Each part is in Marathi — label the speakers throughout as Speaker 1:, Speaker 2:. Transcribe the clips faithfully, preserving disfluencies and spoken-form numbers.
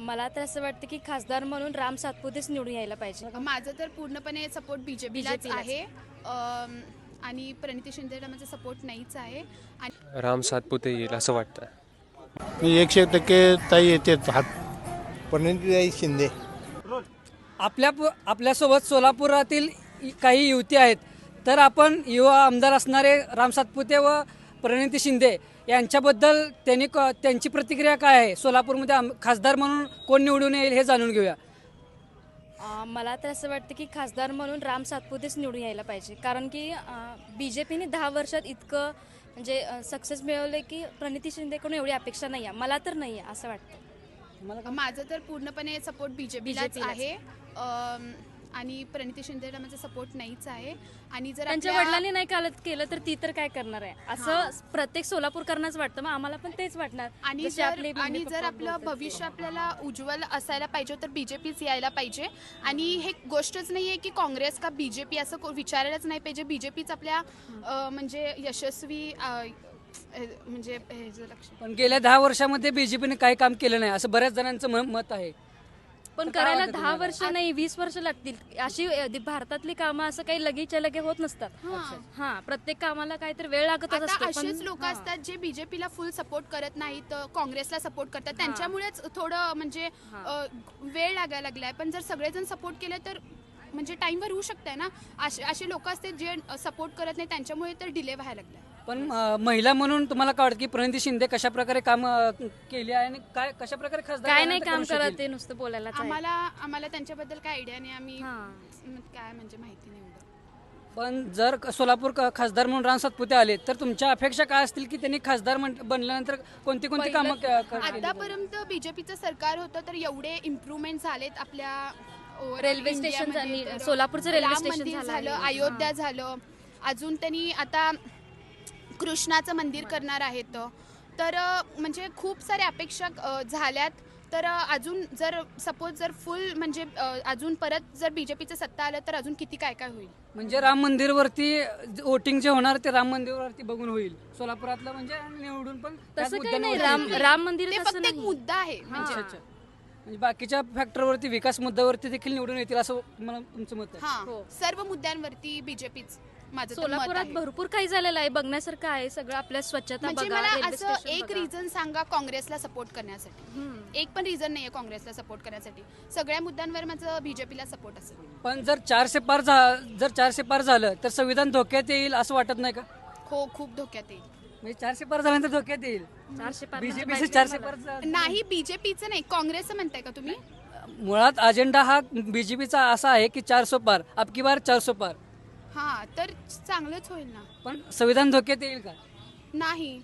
Speaker 1: मला तर असं वाटतं की खासदार म्हणून राम सातपुतेच निवडून यायला पाहिजे.
Speaker 2: माझं तर पूर्णपणे सपोर्ट बीजेपीलाच
Speaker 1: बीजेपीलाच.
Speaker 2: आहे अम, आणि प्रणिती शिंदेला माझा सपोर्ट नाहीच आहे आणि
Speaker 3: राम सातपुते येईल असं वाटतं.
Speaker 4: मी एकशे टक्के ताई येते हात प्रणितीताई शिंदे.
Speaker 5: आपल्या आपल्यासोबत सोलापुरातील काही युवती आहेत, तर आपण युवा आमदार असणारे राम सातपुते व प्रणिती शिंदे यांच्याबद्दल त्यांनी क त्यांची प्रतिक्रिया काय आहे, सोलापूरमध्ये आम खासदार म्हणून कोण निवडून येईल हे जाणून घेऊया.
Speaker 1: अं, मला तर असं वाटतं की खासदार म्हणून राम सातपुतेच निवडून यायला पाहिजे, कारण की बी जे पीने दहा वर्षात इतकं म्हणजे सक्सेस मिळवलं की प्रणिती शिंदेकडून एवढी अपेक्षा नाही आहे, मला तर नाही आहे असं वाटतं.
Speaker 2: माझं तर पूर्णपणे सपोर्ट बीजेपीलाच
Speaker 1: बीजेपीलाच.
Speaker 2: आहे अम, आणि प्रणिती शिंदेला माझा सपोर्ट नाहीच आहे आणि जर
Speaker 1: त्यांच्या
Speaker 2: आपल्या-
Speaker 1: वडिलांनी नाही कालत केलं तर ती तर काय करणार आहे असं प्रत्येक सोलापूरकरांनाच वाटतं, मग आम्हाला पण तेच वाटणार.
Speaker 2: आणि
Speaker 1: जसे
Speaker 2: जर
Speaker 1: आपले मम्मी
Speaker 2: आणि
Speaker 1: पप्पा
Speaker 2: जर आपलं
Speaker 1: बोलतात ते.
Speaker 2: भविष्य आपल्याला उज्ज्वल असायला पाहिजे तर बीजेपीच यायला पाहिजे. आणि हे गोष्टच नाही आहे की काँग्रेस का बीजेपी असं को- विचारायलाच नाही पाहिजे. बीजेपीच आपल्या अ, म्हणजे यशस्वी अ, अ, म्हणजे हे जे लक्ष
Speaker 5: पण गेल्या दहा वर्षामध्ये बीजेपीने काही काम केलं नाही असं बऱ्याच जणांचं म- मत आहे.
Speaker 1: पण
Speaker 5: तर काय
Speaker 1: करायला
Speaker 5: वाटतं
Speaker 1: दहा
Speaker 5: तुम्हाला?
Speaker 1: वर्ष नाही वीस वर्ष लागतील. अशी अ, दि- भारतातली कामं असं काही लगेचच्या लगे होत नसतात. हा प्रत्येक कामाला काहीतरी वेळ लागतच
Speaker 2: आता
Speaker 1: असतो.
Speaker 2: असेच
Speaker 1: पण-
Speaker 2: लोक
Speaker 1: हा.
Speaker 2: असतात जे बीजेपीला फुल सपोर्ट करत नाहीत, काँग्रेसला सपोर्ट करतात, त्यांच्यामुळेच थोडं म्हणजे अ, वेळ लागायला लागलाय. पण जर सगळेजण सपोर्ट केले तर म्हणजे टाइमवर होऊ शकतंय ना. असे असे लोक असतात जे सपोर्ट करत नाही, त्यांच्यामुळे तर डिले व्हायला लागलाय.
Speaker 5: पण अ, महिला म्हणून तुम्हाला काय वाटतं की प्रणिती शिंदे कशा प्रकारे काम अ, केली आहे आणि काय कशा प्रकारे खासदार
Speaker 1: काय नाही
Speaker 5: झाल्यानंतर
Speaker 1: काम
Speaker 5: करू
Speaker 1: करत
Speaker 5: शकेल?
Speaker 1: ते नुसतं बोलायलाच आहे.
Speaker 2: आम्हाला आम्हाला त्यांच्याबद्दल काय आयडिया नाही. आम्ही
Speaker 1: हा.
Speaker 2: म, काय म्हणजे माहिती नाही एवढं.
Speaker 5: पण जर क- सोलापूर क- खासदार म्हणून राम सातपुते आले तर तुमच्या अपेक्षा काय असतील की त्यांनी खासदार म्हण- बनल्यानंतर कोणती कोणती कामं क- क- केली?
Speaker 2: आतापर्यंत बीजेपीचं सरकार होतं तर एवढे इम्प्रूव्हमेंट झालेत आपल्या overall
Speaker 1: रेल्वे
Speaker 2: इंडियामध्ये.
Speaker 1: स्टेशन झाली,
Speaker 2: तर
Speaker 1: सोलापूरचं रेल्वे
Speaker 2: राम
Speaker 1: स्टेशन
Speaker 2: मंदिर
Speaker 1: झालं
Speaker 2: झालं,
Speaker 1: आहे.
Speaker 2: अयोध्या झालं, अजून त्यांनी आता कृष्णाचं मंदिर करणार आहेत. तर अ, म्हणजे खूप साऱ्या अपेक्षा अ, झाल्यात. तर अ, अजून जर सपोज जर फुल म्हणजे अ, अजून परत जर बीजेपीचं सत्ता आलं तर अजून किती काय काय होईल.
Speaker 5: म्हणजे राम मंदिरवरती वोटिंग जे होणार ते राम मंदिरवरती बघून होईल सोलापुरातलं, म्हणजे निवडून पण त्याच
Speaker 1: तसं काही नाही.
Speaker 5: मुद्द्यांवर
Speaker 1: राम
Speaker 5: होईल.
Speaker 1: राम मंदिर
Speaker 2: ते
Speaker 1: तसं
Speaker 2: फक्त एक
Speaker 1: नाही.
Speaker 2: मुद्दा आहे. म्हणजे
Speaker 5: अच्छा, अच्छा. म्हणजे बाकीच्या फॅक्टरवरती विकास मुद्द्यावरती देखील निवडून येतील असं मला तुमचं मत आहे.
Speaker 2: हा
Speaker 1: हो.
Speaker 2: सर्व मुद्द्यांवरती बीजेपीच माझं तर मत
Speaker 1: सोलापुरात
Speaker 2: आहे.
Speaker 1: भरपूर काही झालेलं आहे, बघण्यासारखं आहे सगळं. आपल्या स्वच्छता
Speaker 2: म्हणजे
Speaker 1: बघा,
Speaker 2: मला
Speaker 1: रेल्वे
Speaker 2: असं
Speaker 1: स्टेशन
Speaker 2: एक
Speaker 1: बघा.
Speaker 2: रिझन सांगा काँग्रेसला सपोर्ट करण्यासाठी.
Speaker 1: हम्म.
Speaker 2: एक पण रिझन नाहीये काँग्रेसला सपोर्ट करण्यासाठी. सगळ्या मुद्द्यांवर माझं बीजेपीला सपोर्ट असेल.
Speaker 5: पण जर चारशे पार झा- जर चारशे पार झालं तर संविधान धोक्यात येईल असं वाटत नाही का?
Speaker 2: हो, खूप धोक्यात येईल.
Speaker 5: म्हणजे चारशे पार झाल्यानंतर धोक्यात येईल.
Speaker 1: चारशे पार
Speaker 5: बीजेपी
Speaker 1: म्हणजे
Speaker 5: चारशे
Speaker 1: मला.
Speaker 5: पार झा-
Speaker 2: नाही, बीजेपीचं नाही, काँग्रेसचं म्हणताय का तुम्ही?
Speaker 5: मुळात अजेंडा हा बीजेपीचा असा आहे की चारसो पार, अबकी बार चारसो पार.
Speaker 2: हा, तर चांगलंच होईल ना.
Speaker 5: पण संविधान धोक्यात येईल का?
Speaker 2: नाही,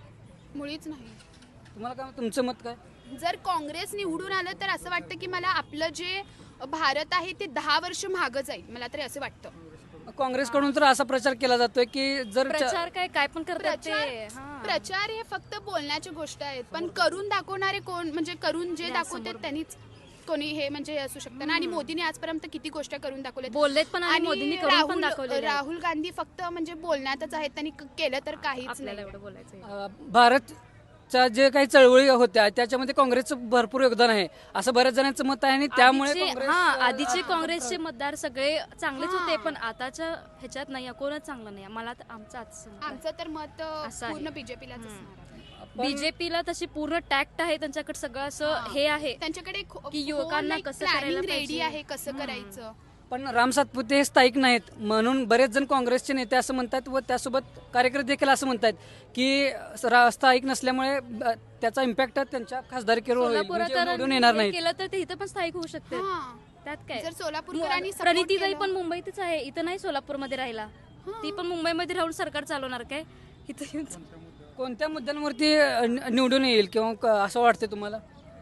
Speaker 2: मुळीच नाही.
Speaker 5: तुम्हाला काय, तुमचं मत काय?
Speaker 2: जर काँग्रेस निवडून आलं तर असं वाटतं की मला आपलं जे भारत आहे ते दहा वर्ष मागं जाईल. मला तरी असं वाटतं.
Speaker 5: काँग्रेसकडून तर असा प्रचार केला जातोय की जर चा-
Speaker 1: प्रचार काय काय पण करतात ते.
Speaker 2: प्रचार
Speaker 1: हा.
Speaker 2: प्रचार हे फक्त बोलण्याची गोष्ट आहेत, पण करून दाखवणारे कोण, म्हणजे करून जे दाखवतात त्यांनीच कोणी हे म्हणजे हे असू शकतं ना. आणि मोदीने आजपर्यंत किती गोष्टी करून दाखवल्या.
Speaker 1: बोललेत पण आणि मोदींनी करून पण
Speaker 2: राहुल
Speaker 1: दाखवलेले आहेत.
Speaker 2: राहुल गांधी फक्त म्हणजे बोलण्यातच आहेत, त्यांनी क- केलं तर काहीच
Speaker 1: आपल्याला
Speaker 2: नाही.
Speaker 1: एवढं बोलायचं आहे.
Speaker 5: अं, भारतच्या जे काही चळवळी होत्या त्याच्यामध्ये काँग्रेसचं भरपूर योगदान आहे असं बऱ्याच जणांचं मत आहे आणि त्यामुळे
Speaker 1: आधीचे-
Speaker 5: काँग्रेस,
Speaker 1: हा
Speaker 5: अं,
Speaker 1: आधीचे काँग्रेसचे मतदार सगळे चांगलेच
Speaker 2: हा.
Speaker 1: होते, पण आताच्या ह्याच्यात नाही, कोणच चांगलं नाही. मला तर आमचं आजचं
Speaker 2: आमचं तर मत
Speaker 1: असं आहे.
Speaker 2: पूर्ण बीजेपीलाच असणार आहे.
Speaker 1: बीजेपीला तशी पूर्ण टॅक्ट आहे, त्यांच्याकडे सगळं असं हे आहे
Speaker 2: त्यांच्याकडे
Speaker 1: की युवकांना कसं करायला
Speaker 2: प्लॅनिंग रेडी
Speaker 1: पाहिजे.
Speaker 2: आहे, कसं करायचं.
Speaker 5: पण राम सातपुते हे स्थायिक नाहीत म्हणून बरेच जण काँग्रेसचे नेते असं म्हणतात व त्यासोबत कार्यकर्ते देखील असं म्हणतात की रा- स्थायिक नसल्यामुळे ब- त्याचा इम्पॅक्ट त्यांच्या खासदारकीवर होईल,
Speaker 1: सोलापुरात
Speaker 5: म्हणजे निवडून येणार
Speaker 1: हे
Speaker 5: नाहीत.
Speaker 1: केलं तर ते इथं पण स्थायिक होऊ शकते.
Speaker 2: हा.
Speaker 1: त्यात काय,
Speaker 2: जर सोलापूरकरांनी support
Speaker 1: प्रणितीताई
Speaker 2: केलं-
Speaker 1: पण मुंबईतच आहे, इथं नाही सोलापूरमध्ये राहिला. ती पण मुंबईमध्ये राहून सरकार चालवणार काय इथं येऊन?
Speaker 5: कोणत्या मुद्द्यांवरती अं, निवडून येईल किंवा क- असं वाटतं तुम्हाला?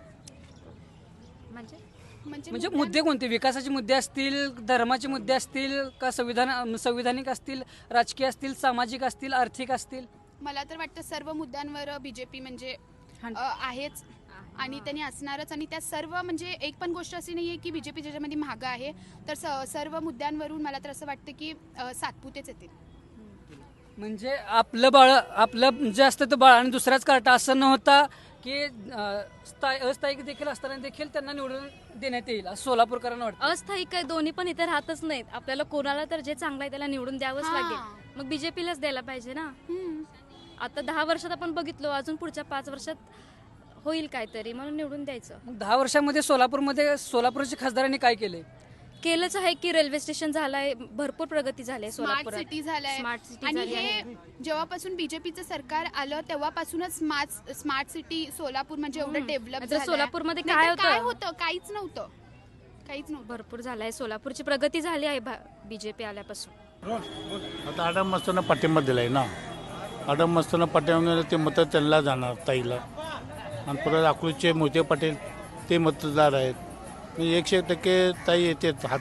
Speaker 1: म्हणजे
Speaker 2: म्हणजे
Speaker 5: म्हणजे मुद्दे कोणते, विकासाचे मुद्दे असतील, धर्माचे मुद्दे असतील का, संविधान संविधानिक असतील, राजकीय असतील, सामाजिक असतील, आर्थिक असतील?
Speaker 2: मला तर वाटतं सर्व मुद्द्यांवर बीजेपी म्हणजे अ, आहेच आणि त्यांनी असणारच. आणि त्या सर्व म्हणजे एक पण गोष्ट अशी नाहीये की बीजेपी ज्याच्यामध्ये मागं आहे. तर स- सर्व मुद्द्यांवरून मला तर असं वाटतं की अ, सातपुतेच येतील.
Speaker 5: म्हणजे आपलं बाळ आपलं जे असतं ते बाळ आणि दुसऱ्याच कार्टा असं न होता की अं, स्थायी अस्थायिक देखील असताना देखील त्यांना निवडून देण्यात येईल असं सोलापूरकरांना वाटतं.
Speaker 1: अस्थायिक काय दोन्ही पण इथे राहतच नाहीत. आपल्याला कोणाला तर जे चांगलं आहे त्याला निवडून द्यावंच
Speaker 2: हां.
Speaker 1: लागेल. मग बीजेपीलाच द्यायला पाहिजे ना.
Speaker 2: हम्म.
Speaker 1: आता दहा वर्षात आपण बघितलो, अजून पुढच्या पाच वर्षात होईल काहीतरी म्हणून निवडून द्यायचं.
Speaker 5: मग दहा वर्षामध्ये सोलापूरमध्ये सोलापूरच्या खासदारांनी काय केले?
Speaker 1: केलंच आहे की रेल्वे स्टेशन झालंय, भरपूर प्रगती झाली आहे
Speaker 2: स्मार्ट
Speaker 1: सोलापुरात.
Speaker 2: सिटी झालंय
Speaker 1: स्मार्ट सिटी
Speaker 2: आणि
Speaker 1: झाली
Speaker 2: हे
Speaker 1: आहे.
Speaker 2: जेव्हापासून बीजेपीचं सरकार आलं तेव्हापासूनच स्मार्ट स्मार्ट सिटी सोलापूर म्हणजे एवढं
Speaker 1: हम्म.
Speaker 2: डेव्हलप
Speaker 1: नाहीतर
Speaker 2: झालं
Speaker 1: सोलापूरमध्ये काय होतं?
Speaker 2: काय होतं काहीच नव्हतं काहीच नव्हतं
Speaker 1: भरपूर झालं आहे. सोलापूरची प्रगती झाली आहे बीजेपी आल्यापासून.
Speaker 4: आता आडम मस्ताना पाठिंबा दिलाय ना. आडम मस्ताना पाठिंबा दिला ते मतं त्यांना जाणार ताईला. आणि परत अकलूजचे मोहिते पाटील ते मतदार आहेत. म्हणजे एकशे एक टक्के ताई येते हात.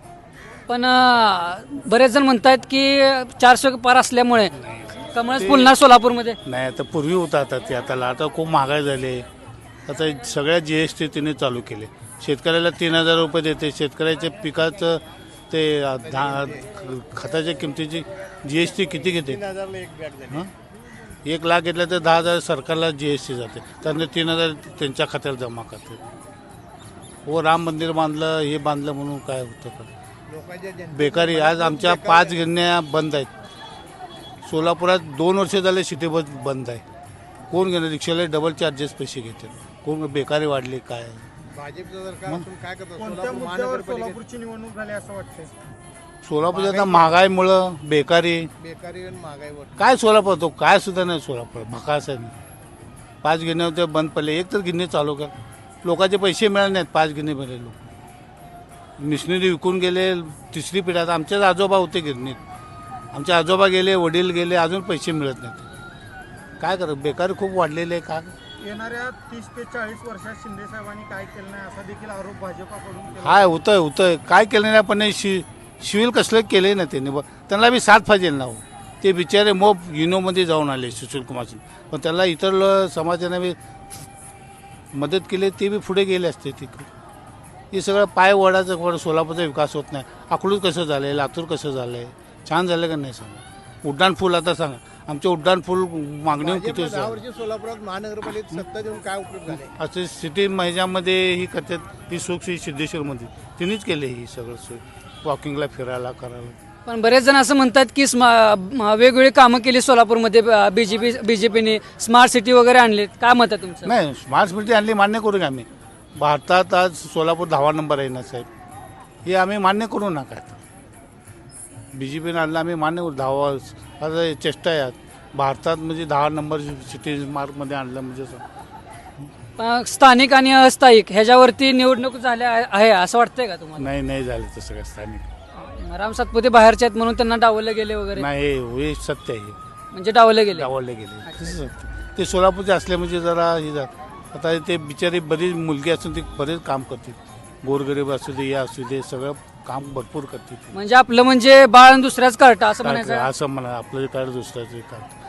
Speaker 5: पण अं, बरेच जण म्हणतात की चारशे पार असल्यामुळे कमळच फुलणार सोलापूरमध्ये.
Speaker 4: नाही आता पूर्वी होता आता ते आता आता खूप महागाई झाली. आता सगळ्या जी एस टी तिने चालू केले. शेतकऱ्याला तीन हजार रुपये देते. शेतकऱ्याच्या पिकाचं ते धा खताच्या किमतीची जी एस टी किती घेते? हं? एक लाख घेतलं तर दहा हजार सरकारला जी एस टी जाते. त्यानंतर तीन हजार त्यांच्या खात्यात जमा करते. हो राम मंदिर बांधलं हे बांधलं म्हणून काय होतं का? बेकारी आज आमच्या पाच गिरण्या बंद आहेत. सोलापुरात दोन वर्ष झाले सिटी बस बंद आहे. कोण घेणार? रिक्षाला डबल चार्जेस पैसे घेते. कोण? बेकारी वाढली काय?
Speaker 6: भाजपचं सरकार असून काय करतो?
Speaker 7: कोणत्या
Speaker 6: सोलापूर
Speaker 7: मुद्द्यावर
Speaker 6: महानगरपालिकेत
Speaker 7: सोलापूरची निवडणूक झाली असं वाटतंय?
Speaker 4: सोलापूर आता महागाईमुळं बेकारी
Speaker 6: बेकारी आणि महागाईवर
Speaker 4: काय सोलापूर तो काय सुद्धा नाही. सोलापूर भकास आहे. पाच गिरण्या होते बंद पडले. एक तर गिरणी चालू कर. लोकांचे पैसे मिळाले नाहीत. पाच गिरणी मिळाले. लोक मिशनरी विकून गेले. तिसरी पिढी आता आमचेच आजोबा होते गिरणीत. आमचे आजोबा गेले, वडील गेले, अजून पैसे मिळत नाहीत. काय करत? बेकारी खूप वाढलेली आहे. का
Speaker 7: येणाऱ्या तीस ते चाळीस वर्षात शिंदे साहेबांनी काय केलं नाही असा देखील आरोप भाजपाकडून केला.
Speaker 4: हाय होतंय होतंय काय केलं नाही. पण शि शिविल कसलं केलंय ना त्यांनी. त्यांना बी साथ पाहिजे ना हो. ते बिचारे मोप युनोमध्ये जाऊन आले सुशील कुमार सिंग. पण त्याला इतर ल- समाजाने बी मदत केली. ते बी पुढे गेले असते तिकडे. हे सगळं पाय वडाचं वर सोलापूरचा विकास होत नाही. अकलूज कसं झालं आहे? लातूर कसं झालं आहे? छान झालं का नाही सांगा? उड्डाण पूल आता सांगा. आमचे उड्डाण पूल मागणी किती
Speaker 6: भाजपनं दहा
Speaker 4: झाली?
Speaker 6: वर्षी सोलापुरात महानगरपालिकेत सत्ता देऊन काय उपयोग झाले?
Speaker 4: असे सिटी ह्याच्यामध्ये ही करतात. ही सुख ही सिद्धेश्वरमध्ये तिनेच केले. ही सगळं सोय वॉकिंगला फिरायला करायला.
Speaker 5: पण बरेच जण असं म्हणतात की स्मा म- वेगवेगळी कामं केली सोलापूरमध्ये बीजेपी बीजेपीने स्मार्ट सिटी वगैरे आणली. काय मत आहे तुमचं?
Speaker 4: नाही स्मार्ट सिटी आणली मान्य करू का आम्ही? भारतात आज सोलापूर दहावा नंबर आहे ना साहेब. हे आम्ही मान्य करू नका. बी जे पीनं आणलं आम्ही मान्य करू. दहावा आता चेष्टा आहे. भारतात म्हणजे दहा नंबर सिटी मार्कमध्ये आणलं म्हणजे असं.
Speaker 5: पण स्थानिक आणि अस्थायिक ह्याच्यावरती निवडणूक झाल्या आहे- आहे असं वाटतंय का तुम्हाला?
Speaker 4: नाही नाही झालं तसं काय स्थानिक.
Speaker 5: राम सातपुते बाहेरचे आहेत म्हणून त्यांना डावललं गेले वगैरे,
Speaker 4: नाही हे हे सत्य आहे.
Speaker 5: म्हणजे डावललं गेले.
Speaker 4: डावलले गेले तसं सत्य. ते सोलापूरचे असले म्हणजे जरा हे झालं. आता ते बिचारी बरीच मुलगी असून ते बरेच काम करते. गोरगरीब असू दे या असू दे सगळं काम भरपूर करते.
Speaker 5: म्हणजे आपलं म्हणजे बाळ आणि दुसऱ्याच कार्ट असं म्हणायचं.
Speaker 4: असं म्हणा आपलं काय दुसऱ्याचं काम